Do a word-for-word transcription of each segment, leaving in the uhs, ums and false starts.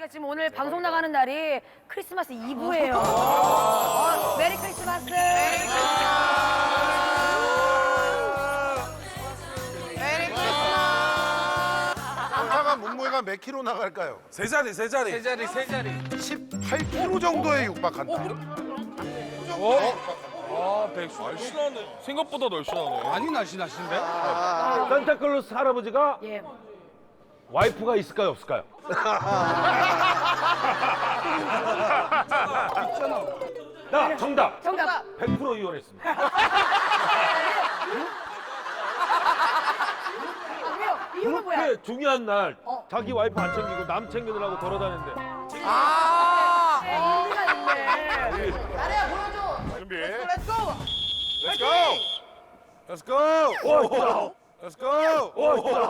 저희가 지금 오늘 방송 나가는 날이 크리스마스 이브예요. 어, 메리 크리스마스. 메리 상상한 몸무게가 몇 킬로 나갈까요? 세 자리, 세 자리. 세 자리, 세 자리. 십팔 킬로 정도에 육박한다. 아, 백수. 날씬하네. 생각보다 날씬하네. 많이 날씬하신데? 산타클로스 할아버지가 예. 와이프가 있을까요, 없을까요? 나 정답. 정답. 백 퍼센트 이혼했습니다. 아, 왜요? 이유는 뭐야? 그렇게 중요한 날 어. 자기 와이프 안 챙기고 남 챙기느라고 돌아다니는데 아, 의미가 있네. 준비. Let's go. Let's go. 오, 진짜. Let's go. 오, 진짜.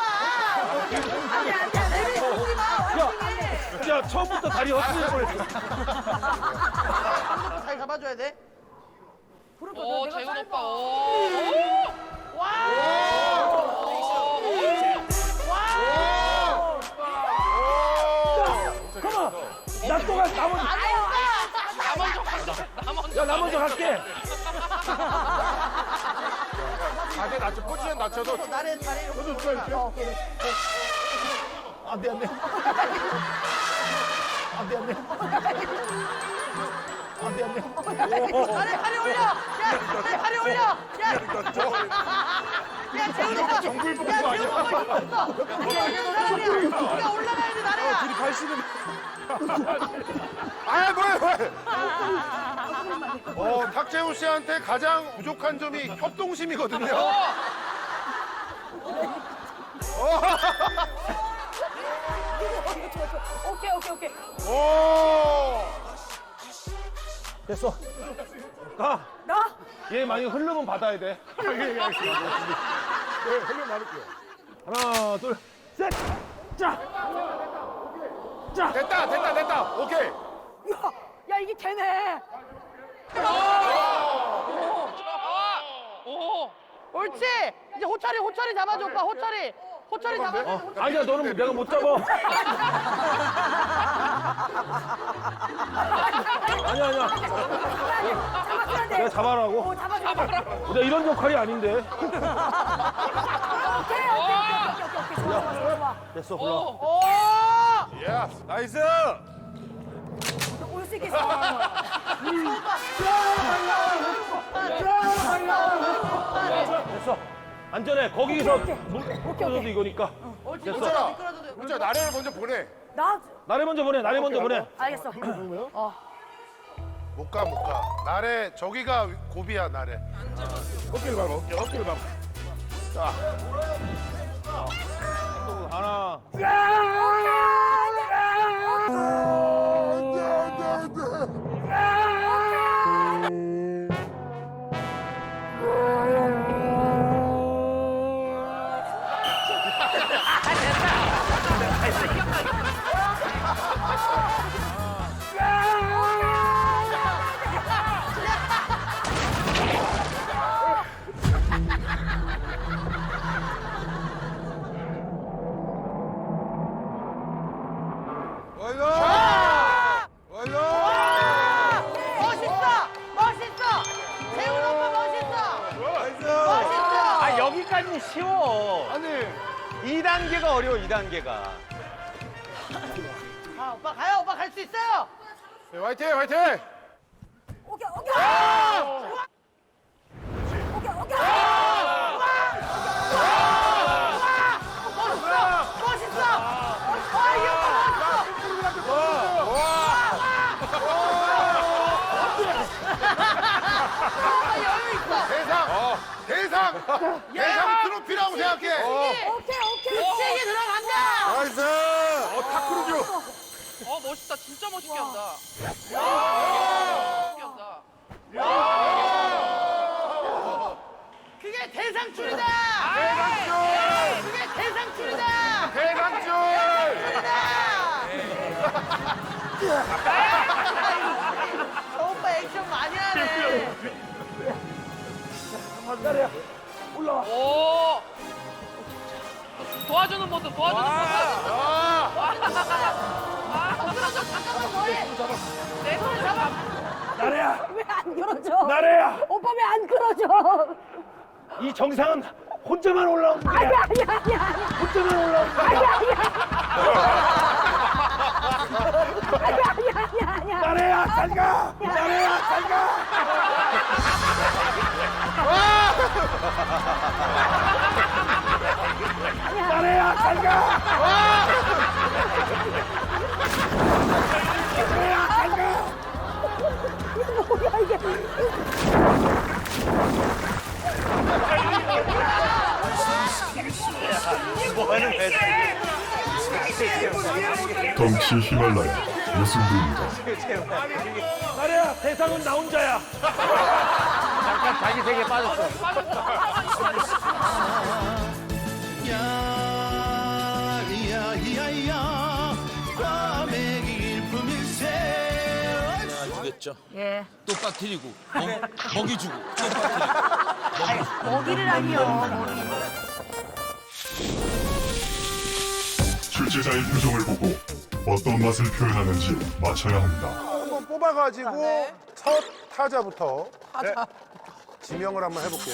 안돼 안돼 안돼. 야, 야, 처음부터 다리 헛슬릴 뻔했어. 잘 잡아줘야 돼. 오, 재훈 오빠. 오. 가만. 나 또 가. 나 먼저. 나 먼저 간다. 나 먼저. 야, 나 먼저 갈게. 자세 낮춰, 포지션 낮춰도. 나를 다리 이렇게. 안돼 안돼. 안돼 안돼. 안돼 안돼. 다리 다리 올려. 야, 다리 다리 올려. 야, 야, 재훈이 오빠. 정글 복구 야, 재훈이 아니야? 오빠 힘 없어. 사람이야. 우리가 올라가야지 나래야. 둘이 팔십은. 아 뭐야 뭐야. 어 탁재훈 씨한테 가장 부족한 점이 협동심이거든요. 오케이 오케이 오케이. 오. 됐어. 가. 나? 얘 만약에 흐르면 받아야 돼. 네, 흘려 말을게요. 하나, 둘, 셋. 자. 자. 됐다 됐다 됐다. 오케이. 야, 야 이게 되네. 오. 옳지. 이제 호철이 호철이 잡아줘 오빠. 호철이. 호철이 잡아줘. 어, 아니야, 너는 내가 못 잡아. 아니야, 아니야. 잡았어야 돼. 내가 잡아라고. 오 잡아줘. 잡아줘. 내가 이런 역할이 아닌데. 오케이 오케이 오케이 오케이 오케이 오케이 좋아 좋아 좋아. 됐어, 불러. 오. 예스. 나이스. 올 수 있겠어. 됐어. 안전해. 거기서 오케이, 물 오케이, 떨어져도 오케이. 이거니까. 옳지. 호철아. 미끄러져도. 호철아 나래를 먼저 보내. 나 나를 먼저 보내. 나를 먼저 보내. 알겠어. 못 가 못 가. 나래 저기가 고비야 나래. 어깨를 밟아. 어깨, 어깨를 밟아. 자. 하나. 완료. 완료. 멋있어. 멋있어. 재훈 오빠 멋있어. 나이스. 멋있어. 아, 여기까지는 쉬워. 아니. 이 단계가 어려워, 이 단계가. 가 오빠 가요. 오빠 갈 수 있어요. 네, 화이팅 화이팅. 오케이 오케이. 오케이 오케이. 멋있어. 멋있어. 아, 이 오빠 멋있어. 오빠 여유 있어. 대상. 대상. 대상 트로피라고 생각해. 오케이 오케이. 세게 들어간다. 나이스. 어 탁크루즈. 어, 멋있다. 진짜 멋있게 한다. 멋있게 한다. 그게 대상줄이다. 대상줄. 그게 대상줄이다. 대상줄. 저 오빠 액션 많이 하네. 나래야. 올라와. 오. 도와주는 모습, 도와주는 모습. 아. 와. 나래야. 오빠 왜 안 끊어져? 이 정상은 혼자만 올라오는 거야. 아니 아니 아니 아니. 혼자만 올라오는 거야. 아니 아니 아니 아니 아니. 나래야 잘 가. 나래야 잘 가. 나래야 잘 가. 나래야 잘 가. 뭐야 이게? 덩치 히말라야 무승부입니다. 나래야 대상은 나 혼자야. 잠깐 자기 세계에 빠졌어. 주겠죠. 예. 또 빠뜨리고 먹이 주고 또 빠뜨리고. 먹이를 아니요. 먹이. 출제자의 표정을 보고 어떤 맛을 표현하는지 맞춰야 합니다. 한번 뽑아가지고 첫 타자부터 네, 지명을 한번 해볼게요.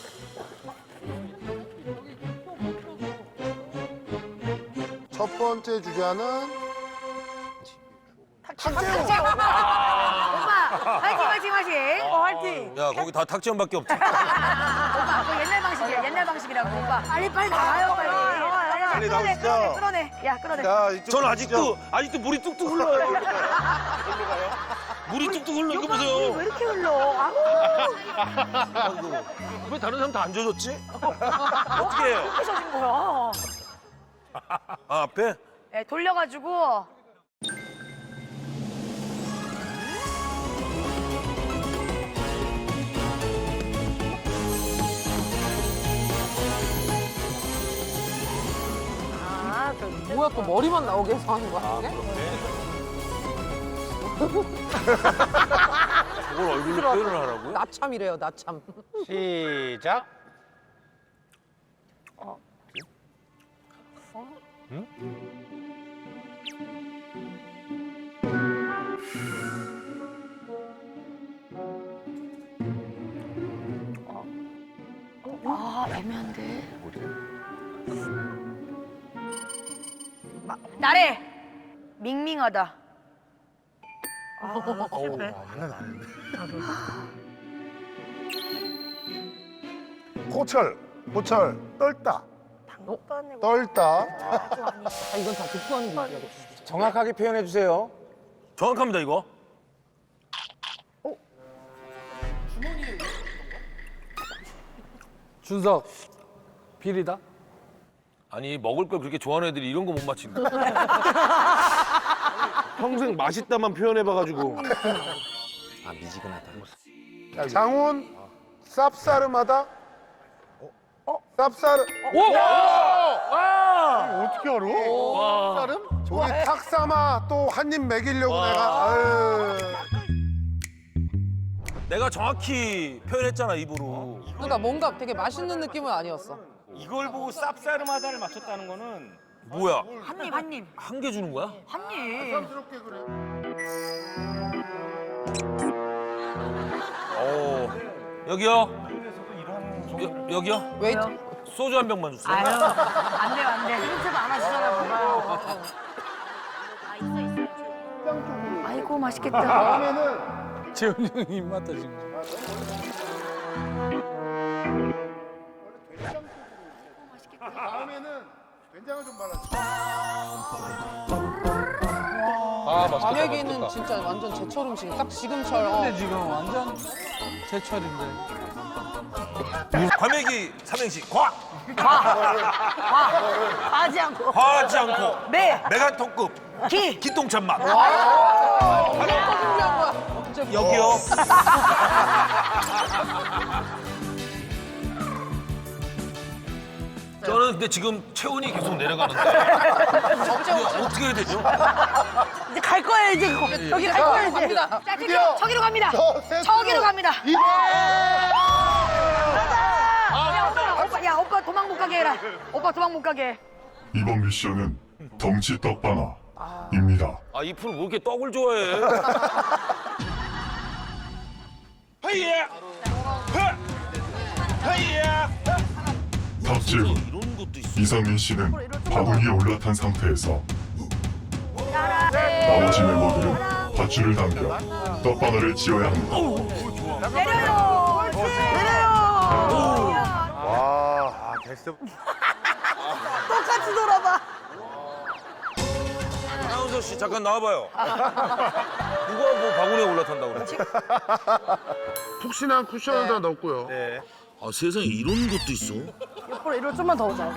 첫 번째 주자는 탁재훈. 오빠 화이팅 화이팅 화이팅. 어 화이팅. 야 거기 다 탁지원밖에 없지. 오빠 그거 옛날 방식이야. 옛날 방식이라고 오빠. 빨리 빨리 나와요 빨리. 빨리 나오시죠. 끌어내. 야 끌어내. 자, 이쪽 전 아직도 아직도 물이 뚝뚝 흘러요. 물이 뚝뚝 흘러 이거 보세요. 왜 이렇게 흘러? 아우. 아이고, 왜 다른 사람 다 안 젖었지? 어떻게 해요? 어떻게 젖은 거야? 아 앞에? 네, 돌려가지고. 아, 그 뭐야 또 머리만 나오게 해서 하는 거야 이게? 그걸 얼굴로 표현을 하라고요? 나참이래요 나참. 시작. 아, 애매한데. 나래. 밍밍하다. 호철, 호철, 떨다. 떨다. 아 이건 다 득표하는 거야. 정확하게 표현해 주세요. 정확합니다 이거. 준석 비리다. 아니 먹을 걸 그렇게 좋아하는 애들이 이런 거 못 맞힌다. 평생 맛있다만 표현해봐가지고. 아 미지근하다. 장훈, 쌉싸름하다. 어? 쌉싸름. 어떻게 알아? 쌉싸름? 우리 탁삼아 또 한 입 먹이려고 내가. 아유. 내가 정확히 표현했잖아 입으로. 그러니까 뭔가 되게 맛있는 느낌은 아니었어. 이걸 보고 쌉싸름하다를 맞췄다는 거는 뭐야? 한 입, 한 입. 한 개 주는 거야? 한 입. 쌈스럽게 그래. 오. 여기요. 여, 여기요. 왜? 소주 한 병만 주세요. 아유, 안 돼요, 안 돼. 힌트도 안 하시잖아, 봐봐요. 아, 있어, 있어. 아이고, 맛있겠다. 다음에는 재훈 형이 입맛다 지금. 다음에는 된장을 좀 발라줘. 아 맛있겠다. 과메기는 진짜 완전 제철 음식. 딱 지금처럼. 근데 지금 완전 제철인데. 과메기 삼행시 과. 하지 않고. 과하지 않고 네, 메가톤급 기. 기똥찬 맛. 준비한 거야. 진짜 여기요. 저는 근데 지금 체온이 계속 내려가는데 이거 어떻게 해야 되죠? 이제 갈 거예요, 이제. 저기 갈 거예요, 이제. 갑니다. 자, 드디어 저기로 갑니다. 저, 셋, 저기로 갑니다. 이번! 야, 오빠, 오빠, 야, 오빠 도망 못 가게 해라. 오빠 도망 못 가게 해. 이번 미션은 덩치 떡바나입니다. 아 이 프로 뭐 이렇게 떡을 좋아해? 헤이야. 헤이야. 다음 질문. 이런 것도 있어. 이상민 씨는 바구니에 올라탄 상태에서 나머지 멤버들은 밧줄을 당겨 떡바늘을 쥐어야 합니다. 내려요. 옳지. 내려요. 와, 게스트. 똑같이 돌아봐. 아나운서 씨 잠깐 나와봐요. 누가 뭐 바구니에 올라탄다고 그래? 푹신한 쿠션을 다 넣었고요. 네. 아 세상에 이런 것도 있어. 옆으로 이리로 좀만 더 오자.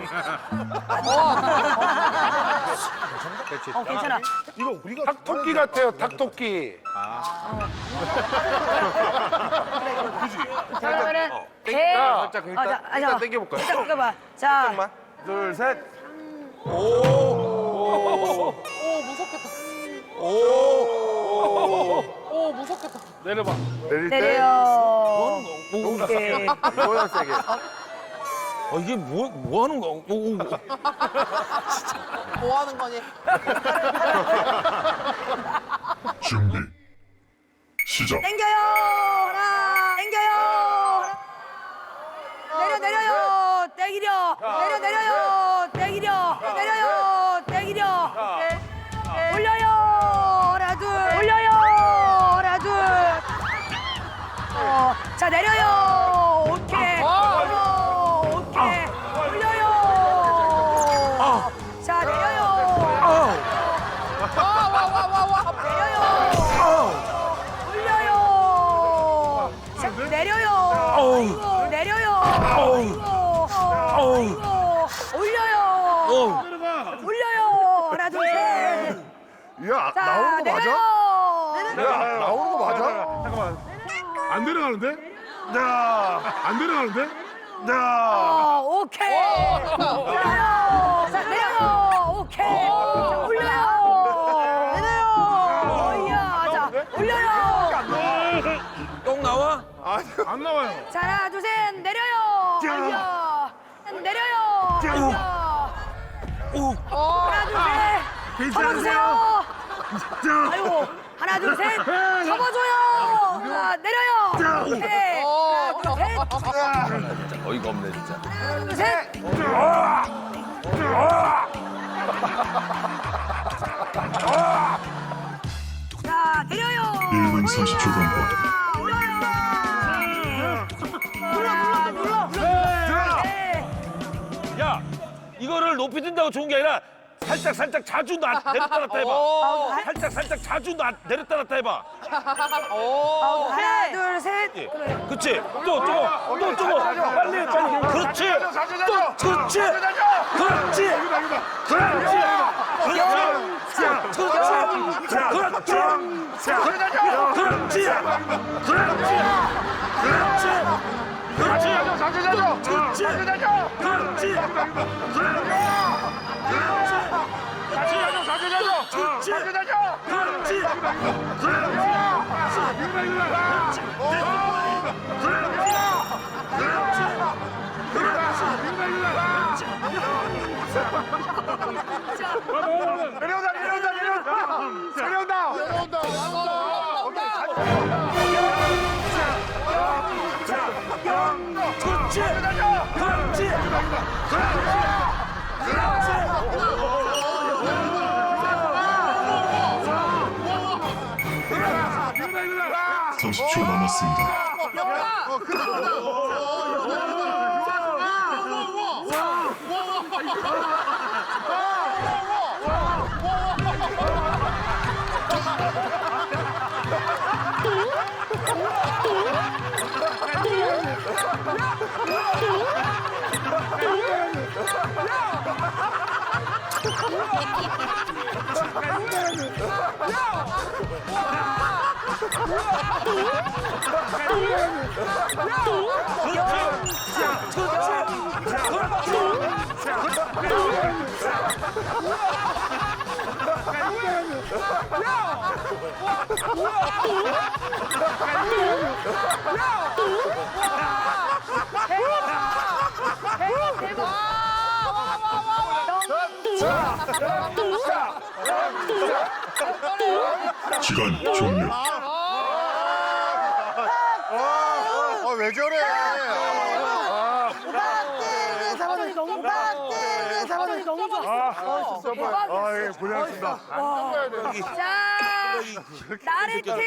어, 괜찮아. 이거 우리가 닭토끼 같아요, 닭토끼. 자, 그러면은 어. 개. 살짝 아, 일단, 자, 아, 일단 자, 당겨볼까요? 일단 당겨봐. 자, 둘, 셋. 오 무섭겠다. 오. 오 무섭겠다. 내려봐. 내릴 때. 내려. 오케이. 뭐야, 세게. 아 이게 뭐 뭐 하는 거야? 오, 오. 뭐 하는 거니? 준비. 시작. 당겨요. 하나. 당겨요. 내려 내려요. 땡기려. 내려 내려요. 땡기려. 내려요. 땡기려. 올려요. 하나 둘. 올려요. 하나 둘. 어, 자 내려요. 오케이. 어, 오케이. 올려요. 자 내려요. 와와와와와. 내려요. 올려요. 자 내려요. 아이고, 내려요. 아이고. 아이고. 올려요. 올려요. 하나 둘 셋. 야, 자 나오는 거 맞아? 내려요. 야, 나오는 거 맞아? 잠깐만. 안 내려가는데? 야. 안 내려가는데? 야. 어, 오케이. 올려요. 자, 내려요. 오케이. 자, 올려요. 내려요. 어이야. 자, 올려요. 똥 나와? 안 나와요. 자, 하나, 둘, 셋. 내려요. 어이야. 내려요. 어이야. 오. 하나, 둘, 셋. 접어주세요. 아이고. 하나, 둘, 셋. 접어줘요. 자, 내려요. 오케이. 하나, 둘, 셋. 어이가 없네 진짜. 하나, 둘, 셋. 자, 내려요. 일 분 삼십 초 경과. 올려요. 눌러, 눌러, 눌러. 네. 야, 이거를 높이 든다고 좋은 게 아니라 살짝 살짝 자주 나, 내렸다 놨다 해봐. 오. 살짝 살짝 자주 나, 내렸다 놨다 해봐. 오. 하나, 둘, 셋. 예. 그치? 또 저거, 또 저거. 빨리 해, 빨리. 그렇지. 또, 그렇지. 그렇지. 그렇지. 그렇지. 그렇지. 그렇지. 그렇지. 그렇지. 그렇지. 그렇지. 자주 자주. 그렇지. 자주 자주. 그렇지. 그렇지. 자주 자주. 자주 자주. 그렇지. 자주 자주. 그렇지. 내려온다, 내려온다, 내려온다. 내려온다. 내려온다. 그렇지. 그렇지. 삼십 초 남았습니다. 시간 종료. 와, 왜 저래? 빡대게 잡아주니 너무 빡대게 잡아주니 너무 좋아. 아, 예, 고생하셨습니다. 자, 나래 팀.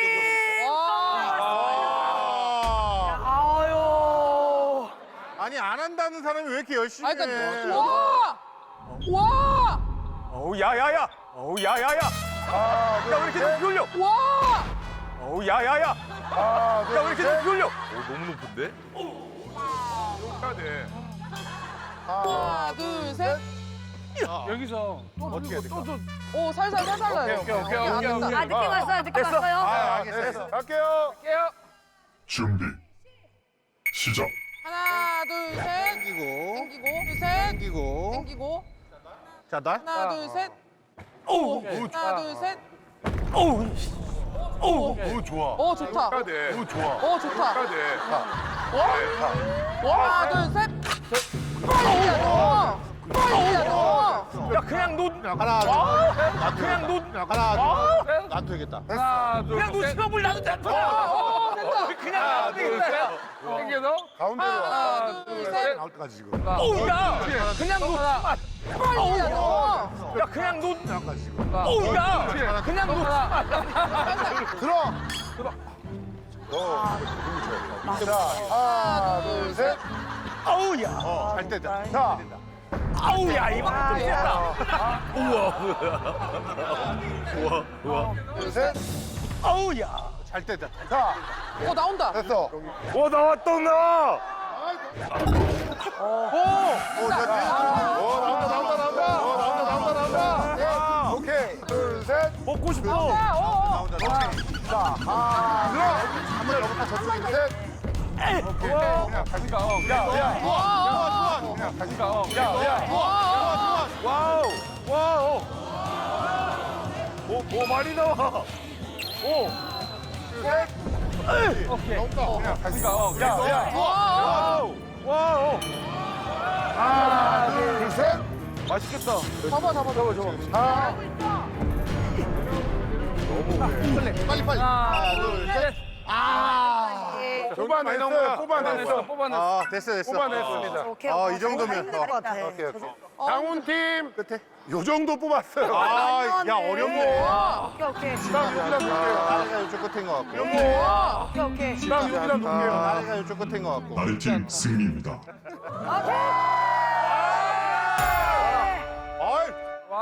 아유. 아니, 안 한다는 사람이 왜 이렇게 열심히 아, 해? 그러니까 와! 와! 어우 야야야. 어우 야야야. 야 왜 이렇게 높이 올려? 와! 어우 야야야. 야 왜 이렇게 높이 올려? 너무 높은데? 해야 돼. 하나, 둘, 셋. 여기서 어떻게 해야 될까? 오, 살살, 살살 나요. 오케이, 오케이, 오케이, 안 오케이, 된다. 오케이. 아, 늦게 왔어요. 늦게 왔어요. 아, 알겠어. 갈게요. 준비 시작. 하나, 둘, 셋. 당기고, 당기고, 둘, 셋. 당기고. 당기고. 자, 나? 하나, 둘, 셋. 어우. 하나, 둘, 셋. 어우. 어우. 오, 좋아. 오, 좋다. 해야 돼. 오, 좋아. 오, 좋다. 해야 돼. 하나, 둘, 셋. 빨리야, 너. 빨리야, 너. 야 그냥 놓. 하나, 아, 그냥 놓. 하나, 놔도 되겠다. 하나 둘. 그냥 놓치면 나도 된다. 어, 된다. 그냥 나도 되겠다. 당겨서. 가운데로 와. 하나, 둘, 셋. 나올 때까지 지금. 어우 야. 그냥 놓. 빨리야, 너. 야 그냥 놓. 나까지 지금. 어우 야. 그냥 놓. 들어. 들어. 어, 자, 하나, 둘, 셋. 어우 야. 어, 잘 때다. 자, 아우 야 이거 좀 세다. 둘, 셋. 아우 야. 잘 때다. 자, 오, 나온다. 됐어. 오 나왔다 나. 오, 자, 돼. 오, 나온다, 나온다, 나온다. 오, 나온다, 나온다, 나온다. 네. 오케이. 둘, 셋. 먹고 싶어. 나온다, 오케이. 자, 하나, 들어. 한번 넘어가 저쪽에 셋. 오케이. 그냥 다시 가. 야야. 와! 그냥 다시 가. 야야. 와! 와우. 와우. 오, 오 많이 나와. 오. 셋. 오케이. 나온다. 그냥 다시 가. 야, 야. 와! 와우. 와우. 하나, 둘, 셋. 맛있겠다. 잡아, 잡아, 잡아, 잡아. 하나. 빨리, 빨리. 하나, 둘, 셋. 아. 뽑아냈어요. 뽑아냈어. 뽑아냈어. 아, 됐어, 됐어. 뽑아냈습니다. 오케이. 아, 이 정도면. 어. 같아. 오케이, 오케이. 강훈팀 끝에 요 정도 뽑았어요. 아, 아, 야, 네. 어렵네. 오케이, 오케이. 다음 여기다 놓을게요. 나래가 이쪽 끝인 것 같고. 오케이, 오케이. 다음 여기다 놓을게요. 나래가 이쪽 끝인 것 같고. 나래팀 승리입니다. 아이,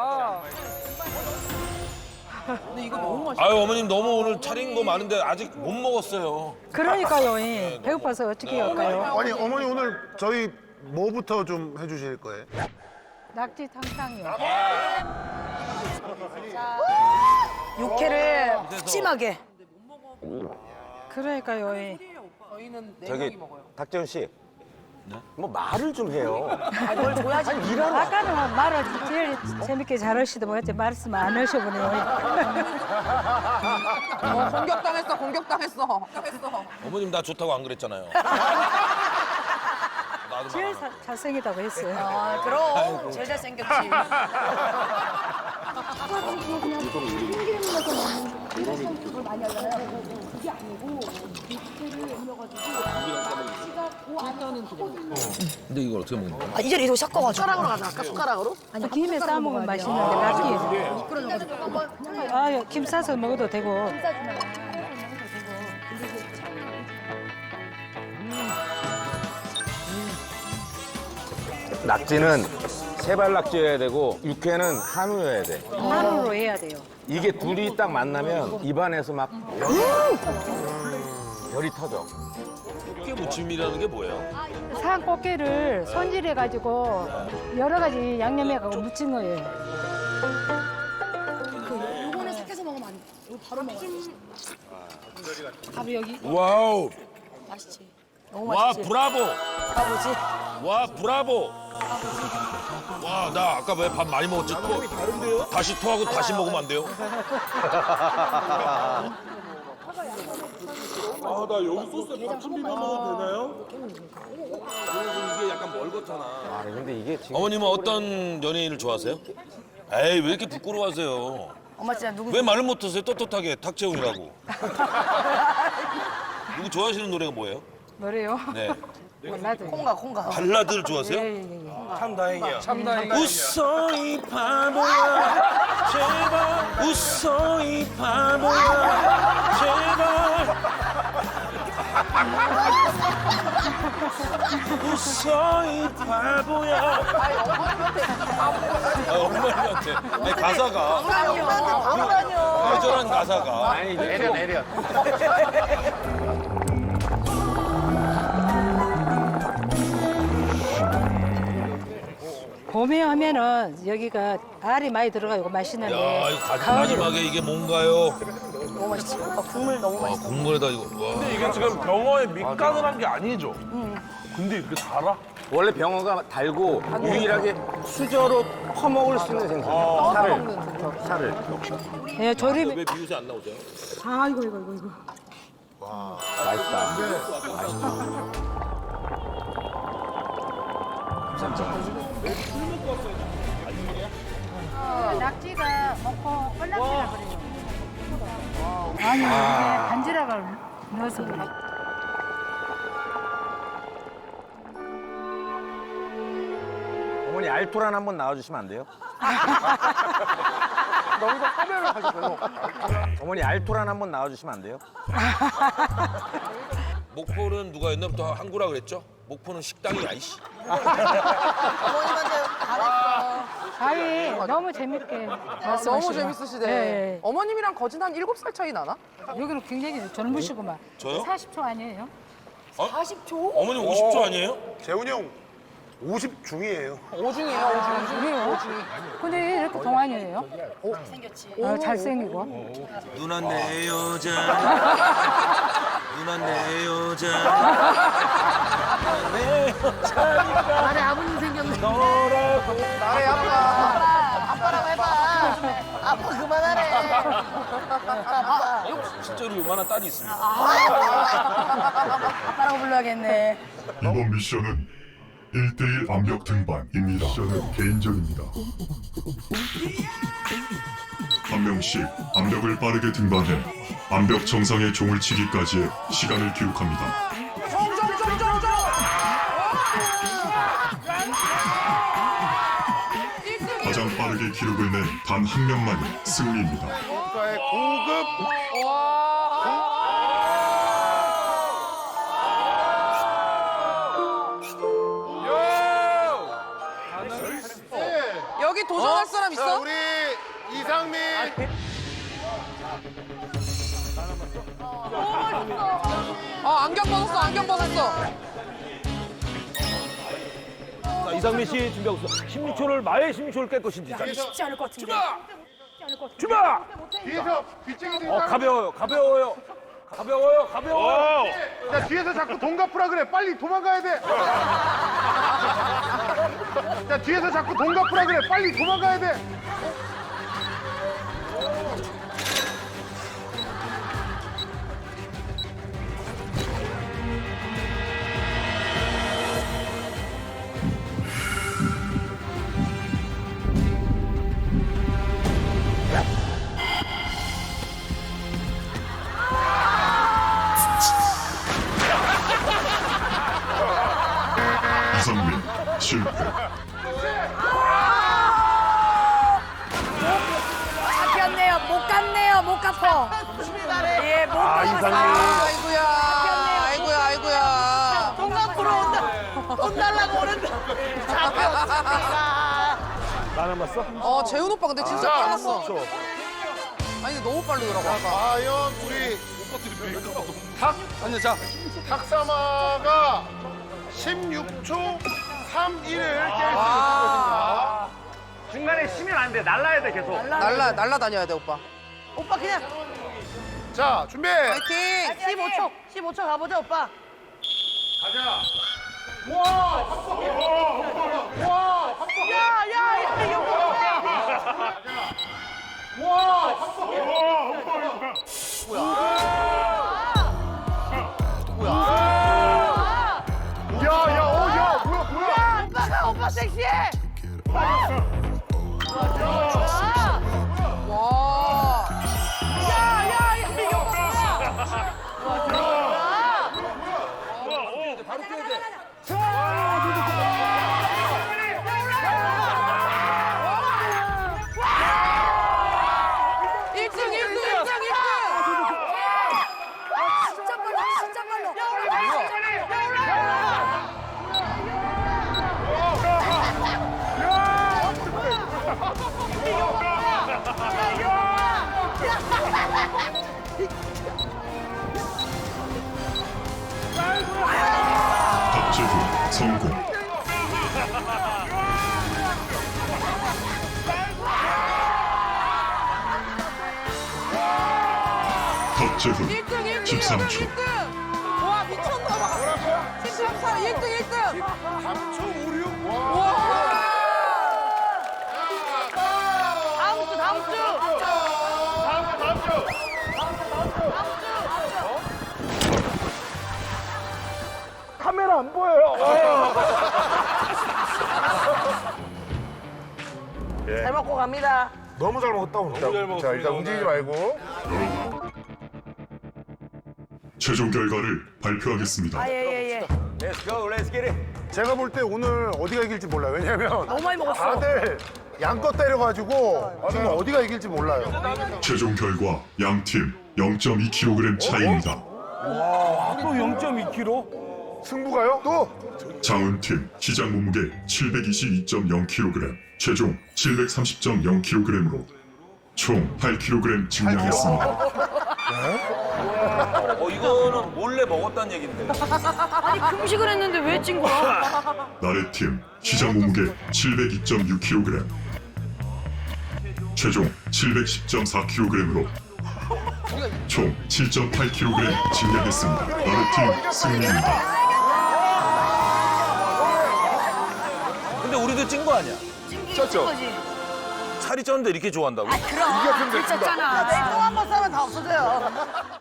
근데 이거 너무 맛있어. 아유 어머님 너무 오늘 차린 거 많은데 아직 못 먹었어요. 그러니까요. 예. 배고파서 어떻게 할까요? 아니 어머니 오늘 저희 뭐부터 좀 해주실 거예요? 낙지 탕탕이요. 육회를 푸짐하게. 그러니까요. 예. 저희는 네 저기 명이 먹어요. 닥재훈 씨. 뭐 말을 좀 해요. 아, 뭘 줘야지. 아까는 뭐 말을 제일 재밌게 잘하시더 뭐였지 말씀 안 하셔보네요. 어, 공격당했어, 공격당했어. 공격당했어. 어머님 나 좋다고 안 그랬잖아요. 나도 제일 막 사- 잘생기다고 했어요. 아, 그럼. 제일 잘생겼지. 근데 이걸 어떻게 먹는 거야? 아, 이 자리에 더 섞어가지고. 숟가락으로 가자, 아까 숟가락으로? 아니 김에 싸 먹으면 맛있는데 낙지. 아, 김 싸서 먹어도 되고. 낙지는 세발 낙지여야 되고 육회는 한우여야 돼. 한우로 해야 돼요. 이게 둘이 딱 만나면 입안에서 막 별이 터져. 이게 무침이라는 게 뭐예요? 산 꽃게를 손질해가지고 여러 가지 양념해가지고 무친 거예요. 요거는 삭혀서 먹으면 안 돼. 이거 바로 먹어야 돼. 바로 여기. 와우. 맛있지. 너무 와 맛있지. 브라보. 아버지. 와 브라보. 와 나 아까 왜 밥 많이 먹었지? 토, 다시 토하고 다시 먹으면 안 돼요? 아, 나 여기 소스에 밥 좀 비벼 먹어도 되나요? 이게 약간 멀겋잖아. 아 근데 이게 지금 어머님은 어떤 연예인을 좋아하세요? 에이 왜 이렇게 부끄러워하세요? 엄마 진짜 누구? 왜 말을 못하세요? 떳떳하게 탁재훈이라고. 누구 좋아하시는 노래가 뭐예요? 노래요? 네. 몰라도. 콩가 콩가. 발라드를 좋아하세요? 예예예. 참 다행이야. 참 다행이야. 웃어 이 바보야 제발 웃어 이 바보야 제발 웃어 이 바보야 아, 엄마한테 아니 가사가 엄마한테 바로 다녀. 애절한 가사가 아니 내려 내려. 봄에 하면은 여기가 알이 많이 들어가고 맛있는데. 야 이거 가장 가을에 마지막에 이게 뭔가요? 너무 맛있지. 오빠 국물 너무 아 맛있어. 국물에다 이거 와. 근데 이게 지금 병어에 밑간을 한 게 아니죠? 근데 이렇게 달아? 원래 병어가 달고 유일하게 수저로 퍼먹을 수 있는 생선. 살을. 살을. 예, 조림. 왜 비웃이 안 나오죠? 아 이거 이거 이거 이거. 맛있다. 낙지가 먹고 뻘낙지라 그래요. 아니 이게 반지락을 넣어서 그래. 어머니 알토란 한번 나와주시면 안 돼요? 너희가 화면을 하셨어요. 어머니 알토란 한번 나와주시면 안 돼요? 목포는 누가 옛날부터 항구라 그랬죠? 목포는 식당이 아이씨. 어머님한테 잘했어. 아이 너무 재밌게 너무 말씀하시고. 재밌으시대. 예, 어머님이랑 거진 한 일곱 살 차이 나나? 예. 여기는 굉장히 젊으시구만. 저요? 사십 초 아니에요? 사십 초? 어머니 오십 초 아니에요? 재훈이 형 오십 중이에요. 오중이에요, 오중. 그래요? 근데 왜 이렇게 동안이에요? 어, 잘생기고. 누나 내 여자 누나 내 여자 나의 아버님 생겼네. 나래 아빠. 아빠라고 해봐. 아빠 그만하래. 실제로 요만한 딸이 있습니다. 아빠라고 불러야겠네. 이번 미션은 일 대일 암벽 등반입니다. 미션은 개인전입니다. 한 명씩 암벽을 빠르게 등반해 암벽 정상에 종을 치기까지의 시간을 기록합니다. 가장 빠르게 기록을 낸 단 한 명만이 승리입니다. 국가의 고급 여기 도전할 사람 자 있어? 우리 이상민. 아, 안경 벗었어, 안경 벗었어. 자, 이상민 씨 준비하고 있어. 십육 초를 마의 십육 초를 깰 것인지. 자, 쉽지 않을 것 같은데. 출발! 뒤에서 빗쟁이 어, 가벼워요, 가벼워요. 가벼워요, 가벼워요. 야 뒤에서 자꾸 돈 갚으라 그래. 빨리 도망가야 돼. 야 뒤에서 자꾸 돈 갚으라 그래. 빨리 도망가야 돼. 이상민 실패. 잡혔네요. 못 갔네요. 못 갚어. 예, 못 아, 갚았어요. 이상민. 아이고야, 아이고야, 아이고야. 돈 갚으러 온다. 돈 달라고 오는데. 잡혔습니다. 나 남았어? 어, 재훈 오빠 근데 진짜 자, 빨랐어. 아니, 근데 너무 빠르더라고, 아까. 과연 우리 탁 아니 자 탁사마가 십육 초 삼십일을 깰 수 있을 것인가? 중간에 쉬면 안 돼. 날라야 돼, 계속. 날라, 날라다녀야 돼, 오빠. 오빠 그냥 자 준비. 파이팅! 십오 초. 십오 초 가보자, 오빠. 가자. 야, 야, 야, 이거 뭐야? 야야 어야 뭐야 뭐야? 오빠가 오빠 섹시해. 와. 야, 야, 야, 이거 뭐야? 박재훈 성공. 박재훈 일 등, 일 등. 십삼 초. 일 등. 와, 미쳤나봐. 십삼, 일 등, 일 등. 삼 초 오륙. 와. 다음 주 다음 주. 다음 주 다음 주. 카메라 안 보여요. 잘 먹고 갑니다. 너무 잘 먹었다 오늘. 너무 잘 먹었어. 자 일단 움직이지 말고. 최종 결과를 발표하겠습니다. 예예예. Let's go, let's get it. 제가 볼 때 오늘 어디가 이길지 몰라요. 왜냐면 너무 많이 먹었어. 다들 양껏 때려가지고 지금 어디가 이길지 몰라요. 최종 결과 양팀 영 점 이 킬로그램 차이입니다. 또 영 점 이 킬로그램? 승부가요? 또 장훈팀 시작 몸무게 칠백이십이 점 영 킬로그램, 최종 칠백삼십 점 영 킬로그램으로 총 팔 킬로그램 증량했습니다. 어 이거는 몰래 먹었다는 얘긴데. 아니 금식을 했는데 왜 찐 거야? 나래팀 시작 몸무게 칠백이 점 육 킬로그램, 최종 칠백십 점 사 킬로그램으로 총 칠 점 팔 킬로그램 증량했습니다. 나래팀 승리입니다. 근데 우리도 찐 거 아니야? 쪘죠. 거지. 살이 쪘는데 이렇게 좋아한다고? 아 그럼. 들쳤잖아. 또 한 번 싸면 다 없어져요.